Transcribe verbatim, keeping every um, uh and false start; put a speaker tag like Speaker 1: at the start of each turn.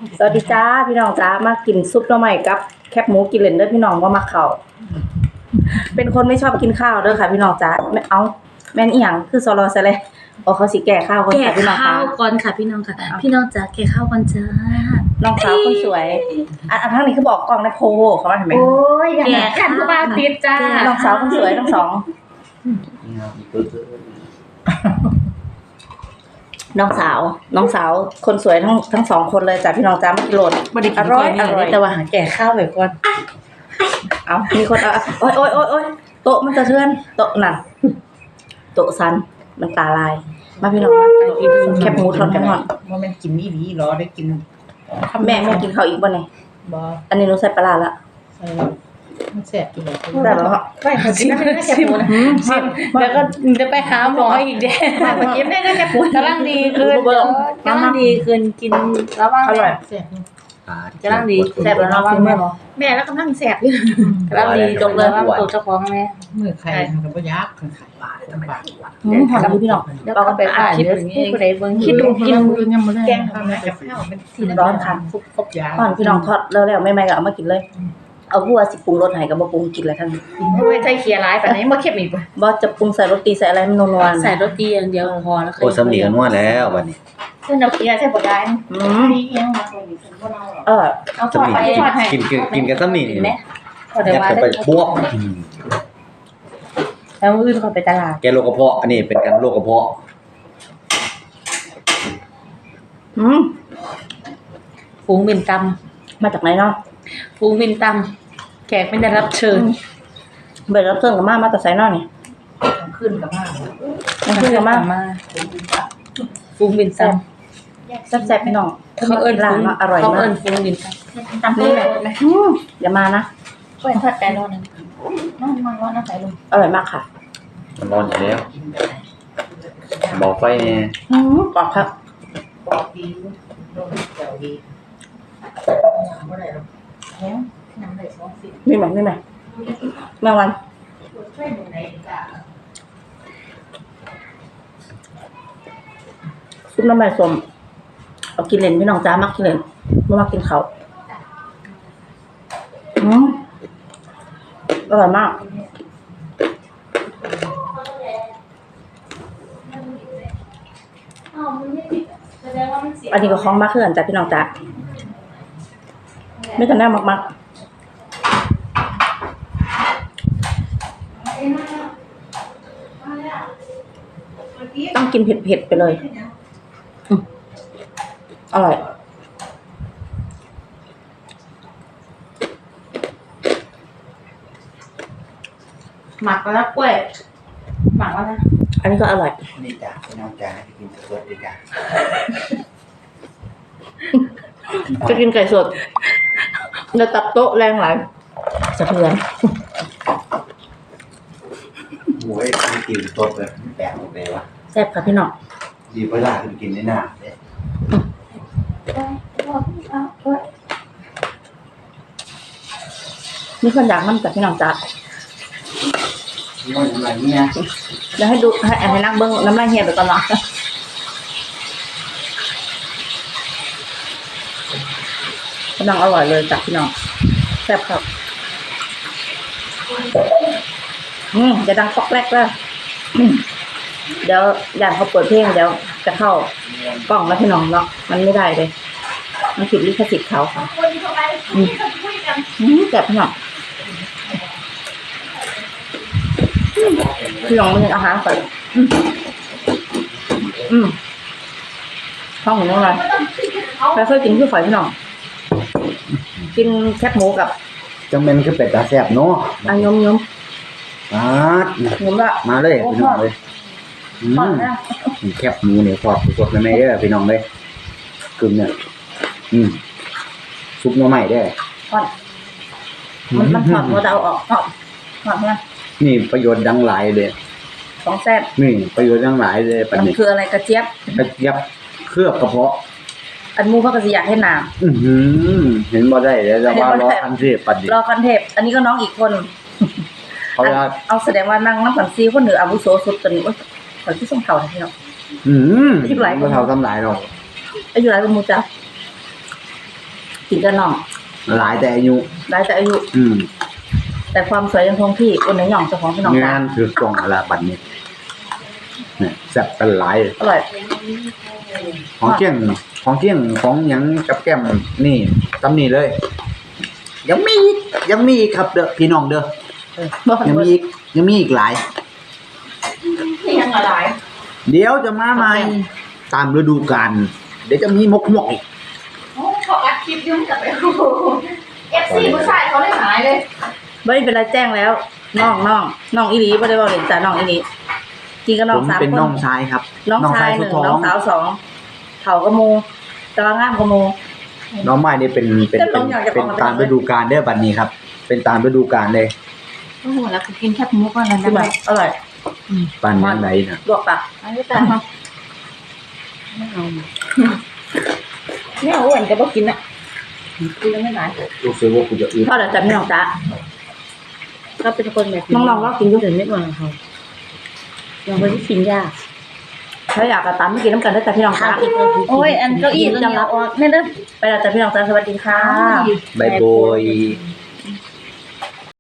Speaker 1: สวัสดีจ้าพี่น้องจ้ามากินซุปหน่อไม้กับแคบหมูกินเล่นเด้อพี่น้องว่ามักข้าวเป็นคนไม่ชอบกินข้าวเด้อค่ะพี่น้องจ้าไม่เอาแม่นอีหยังคือซอรอซะเลยโอ้เขาสิแก่ข้าวคน
Speaker 2: แก่
Speaker 1: ค่ะพี่น้อง
Speaker 2: ข้า
Speaker 1: ค่ะ
Speaker 2: วก่อนค่ะพี่น้องค่ะ พี่น้องจ๋าแก่ข้าวก่อนจ้า
Speaker 1: น้องสาวคนสวยอันอันทั้งนี้คือบอกกล้องในโพเขาว่าทำไม
Speaker 3: โอ้ยอย่างนั้นขันผู้บ่าวติดจ้า
Speaker 1: น้องสาวคนสวยทั้งสองน้องสาวน้องสาวคนสวยทั้งทั้งสองคนเลยจ้ะพี่น้องจ้ามากินโหลด
Speaker 2: บ่ได้กิ
Speaker 1: อน ร่อยอร่อย
Speaker 2: แต่ว่าหาแก่ข้าวไว้ก่อน
Speaker 1: เอามีคนเอาโอ๊ยโอ๊ยโอ๊ยโอ๊ยโต๊ะมันจะเทือนโต๊ะนั่นโต๊ะซันมันตาลายมาพี่น้องมากินแคบหมูทอดกันหน่อย
Speaker 4: ว่ามันกินอีหลีเหรอได้กิน
Speaker 1: แม่แม่กินข้าวอีกบ่เนี่ย
Speaker 4: บ่
Speaker 1: อันนี้หนูใส่ปลาร้าละ
Speaker 4: ใส่แล้วมันแซ่บอยู่แล้ว
Speaker 1: ได้แล้วเหรอ
Speaker 3: ไปขอกินได้แค่ปูนะ
Speaker 1: อืมชิม
Speaker 2: แล้วก็จะไปหาหมออีกเด้
Speaker 3: ไปขอกินได้แค่ปู
Speaker 2: กำลังดีขึ้นกำลังดีขึ้นกินระวัง
Speaker 1: อร่อย
Speaker 4: แซ่บอยู่
Speaker 2: กำลังดี
Speaker 1: แซ่บแล้วเนาะ
Speaker 2: ระวัง
Speaker 1: คุณแม่
Speaker 2: แม่
Speaker 3: แม่แล้วกำลังแสบอยู่
Speaker 2: กำลังดีจบเลยว่าตัวเจ้าของแม่
Speaker 4: มื้อไข่มันก็บ่ยากคือไข่บาทจังบาท
Speaker 1: อืมหอมดีพี่น้อง
Speaker 2: เดี๋ยวก็ไปถ่ายเดี๋ยวผู้ใดเบิ่ง
Speaker 4: คิดดูกินยังบ่ได้
Speaker 3: แกงทำมากับข้าวมันสี
Speaker 1: ร้อนค่ะ
Speaker 4: ครบครบยา
Speaker 1: ก่อนพี่น้องทอดแล้วแล้วไม่ไม่ก็เอามากินเลย เอาบัวสิปรุงรสให้กับบ่ปรุงกินเลยทั้งนี้
Speaker 3: ไม่ใช่เคียร์ร้ายแบบนี้มาเข้มอีกป่ะ
Speaker 1: บ่จะปรุงใส่รสตีใส่อะไรมันนัวๆ
Speaker 2: ใส่รสดีอย่างเดียวพอแล้ว
Speaker 5: โอ้สำเนียงนวดแล้วบัดนี้
Speaker 3: เส้นเราเคียร์ใช่ป่ะได้
Speaker 1: อืม
Speaker 3: นี่ยังมาตรงนี้ฉันก็เล่าหรอ
Speaker 1: เออ
Speaker 3: เอาทอดไปทอดให้
Speaker 5: กินกินกินกันสำเนียง
Speaker 2: เห็
Speaker 5: นี่
Speaker 2: นไหมพอเดี๋ยว
Speaker 5: ยัด
Speaker 2: ว่า
Speaker 5: กันไปพวกอืม
Speaker 2: แล้วมื้ออื่นเขาไปตลาด
Speaker 5: แกโรคกระเพาะอันนี้เป็นการโรคกระเพาะ
Speaker 1: อืม
Speaker 2: ฝูงบินต
Speaker 1: มาจากไหนเนาะ
Speaker 2: ำฝูงบินตำแขกไม่ได้รับเชิญ
Speaker 1: เบิดรับเชิญกับมามาแต่ไสเนาะนี่
Speaker 4: ขึ้นกับมาก
Speaker 1: มันขึ้นกับมา
Speaker 2: มาฝูงบินตำ
Speaker 1: แซ่บๆพี่น้อง
Speaker 2: เขาเอิ้น
Speaker 1: ร้าน
Speaker 2: ฟุ้ง
Speaker 1: เนาะอร่อย
Speaker 2: เขา
Speaker 1: มา
Speaker 2: เอิ้
Speaker 1: ก
Speaker 2: นฟุ้งบินต
Speaker 3: ตำปูแบบไหม
Speaker 1: อืมอย่ามานะ
Speaker 3: ก็เป็นทอดไก่ร้อนนึงนอนนอนนอนน้ำใส่ลง
Speaker 1: อร่อยมากค่ะ
Speaker 5: มันร้อนอยู่แล้วบอกไฟเนี่ย
Speaker 1: อืมกรอบครับ
Speaker 4: บอกดีโดนแก้วดีบ่ได้หรอก
Speaker 3: แล้วน้ำใส่ซอสสิ
Speaker 1: นี่ไหมนี่ไหมแมงวัน
Speaker 3: ช่วยดูไหนจ้า
Speaker 1: ซุปน้ำมันส้มเอากินเล่นพี่น้องจ้ามักกินเล่นไม่มักกินเขาวอืมอร่อยมาก อันนี้ก็คล้องมากขึ้นจ้ะพี่น้องจ้าไม่ทันได้มากๆต้องกินเผ็ดๆไปเลยอืมอร่อย
Speaker 3: หมักแล้วกล้วยหมักแล้วนะ
Speaker 1: อันนี้ก็อร่อย
Speaker 5: นี่จ้าพี่น้องจ้าให้กินสดๆดีจ้า
Speaker 1: จะกินไก่สดจะตับโต๊ะแรงหลายสะเทือน
Speaker 5: โอ้ยไม่กินสดเลยแปลกหมดเลยวะ
Speaker 1: แซ่บค่ะพี่น้อง
Speaker 5: ดีเวลาคือกินในหน้าเนี่ย
Speaker 1: มีคนอยากน้ำจากพี่น้องจ้า
Speaker 5: นี่มันอะไรเนี่ย
Speaker 1: เดี๋ยวให้ดูให้ให้นักเบิ้งน้ำลายเหี่ยไปก่อนเนาะกำลังอร่อยเลยจ้ะพี่น้องแซ่บครับอืมจะดังฟอกแรกแล้วอืมเดี๋ยวอย่างเขาเปิดเพลงเดี๋ยวจะเข้ากล้องแล้วพี่น้องเนาะมันไม่ได้เลยมันผิดลิขสิทธิ์เขาค่ะ
Speaker 3: คนเข้าไปคุยกัน
Speaker 1: อืมแซ่บพี่น้องพี่น้องมันยังอาหารก่อนอืมอืมท้องหมูน้องอะไรใครเคยกินคือฝอยพี่น้องกินแคบหมูกับ
Speaker 5: จังเป็นคือเป็ดตาแซ่บเนาะ
Speaker 1: อันยมยม
Speaker 5: มาด
Speaker 1: ยมละ
Speaker 5: มาเลยพี่น้องเลยอื
Speaker 1: ก่อน
Speaker 5: ม
Speaker 1: นะ
Speaker 5: แคบหมูเนี่ยทอดสดๆเลยแม่เด้อพี่น้องเลยกึ่งเนี่ยอืมซุปหน่อไม้ได้อ
Speaker 1: ก่อนมันมันหอมเราจะเอาออกหอมหอมนะ
Speaker 5: นี่ประโยชน์ดังหลายเลย
Speaker 1: ของแซ่บ
Speaker 5: นี่ประโยชน์ดังหลายเลยปัจ
Speaker 1: มัน
Speaker 5: จุ
Speaker 1: คืออะไรกระเจี๊ยบ
Speaker 5: กระเจี๊ยบเคลือบกระเพาะ
Speaker 1: อันมูเขาก็จะอยากให้หนาม
Speaker 5: อือหือเห็นบ่ได้เดี๋ยวจะว่ารอทันทีปัดดิ
Speaker 1: รอคอนเทปต์อันนี้ก็น้องอีกคน
Speaker 5: เขาว่า
Speaker 1: เอาแสดงว่านั่งน้ำผันซีคนเหนืออาวุโสสุดจนว่าตอนที่ส่งเขาพี่น้อง
Speaker 5: อืม
Speaker 1: ที่หลายคน
Speaker 5: บ่เท่าทำหลายหรอก
Speaker 1: อายุหลายกว่าหมูจ้ะกินกับน้อง
Speaker 5: หลายแต่อายุ
Speaker 1: ได้แต่อายุ
Speaker 5: อืม
Speaker 1: แต่ความสวยยังคงที่คนในหย่องเจ้าของพี่น้อง
Speaker 5: งา
Speaker 1: จ้าน
Speaker 5: คือกล่องละบัดนี้เนี่ยแซ่บกันหลาย
Speaker 1: อร่อย
Speaker 5: ของเกี้ยงของเกี้ยงของหยังกับแก้มนี่ตำนี่เลย ยังมีอีกยังมีอีกครับเด้อพี่น้องเด้อ
Speaker 1: เออบ่
Speaker 5: ยังมีอีกยังมีอีกหลาย
Speaker 3: นี่ยังอะไร
Speaker 5: เดี๋ยวจะมาใหม่ตามฤดูกาลเดี๋ยวจะมีมกมกอีก
Speaker 3: โอ้เขาอัดคลิปยุ่งกับไปเอฟซีผู้ชายเขาได้หายเลย
Speaker 1: บ่ได้เป็นไรแจ้งแล้วน้องน้องน้องอีหลีบ่ได้เว้าเล่นจ้าน้องอีหลีกินกับน้
Speaker 5: ผ
Speaker 1: อง
Speaker 5: ม
Speaker 1: สาม
Speaker 5: เป็น
Speaker 1: คน
Speaker 5: น้องชายครับ
Speaker 1: น้องชายห
Speaker 5: สุ
Speaker 1: นึ่
Speaker 5: ด
Speaker 1: ง
Speaker 5: ท้อ
Speaker 1: น้อง งสาวสองเฒ่าก็โมตะงามก็โม
Speaker 5: น้องไม้นี่เป็นเป็น
Speaker 1: จะล
Speaker 5: เป็น
Speaker 1: งอยากจะ
Speaker 5: เป็น
Speaker 1: บอก
Speaker 5: ตามฤดูกาลเด้อบัดนี้ครับ เป็นตามฤดูกาลเลย
Speaker 3: โอ้โหแล้วก็กินแคบหมูก่อนแล้ว
Speaker 1: คือ
Speaker 3: นะ
Speaker 1: แบบอร่อย
Speaker 5: ปานนั้นไหนน่ะ
Speaker 1: ลวกปะ
Speaker 3: อันนี้แต่
Speaker 2: ไม่เอา
Speaker 1: แม่อ้วนก็บ่กินน่ะกินแล้วไม่หลาย
Speaker 5: รู้สึกว่ากูจะอึด
Speaker 1: พอแล้วจ้ะพี่น้องจ้า
Speaker 2: ก็เป็นคนแบบ
Speaker 1: น้องๆก็กินอยู่
Speaker 2: เดินไม่มาเขายังไม่ได้กินยาก
Speaker 1: ถ้าอยากก็ตามมากินน้ำกันได้จ้ะพี่น้องจ้า
Speaker 3: โอ้ยอันเก้าอี้ตัวนี้เอาออกแม่เด้อ
Speaker 1: ไปแล้วจ้ะพี่น้องจ้าสวัสดีค่ะ
Speaker 5: บายบาย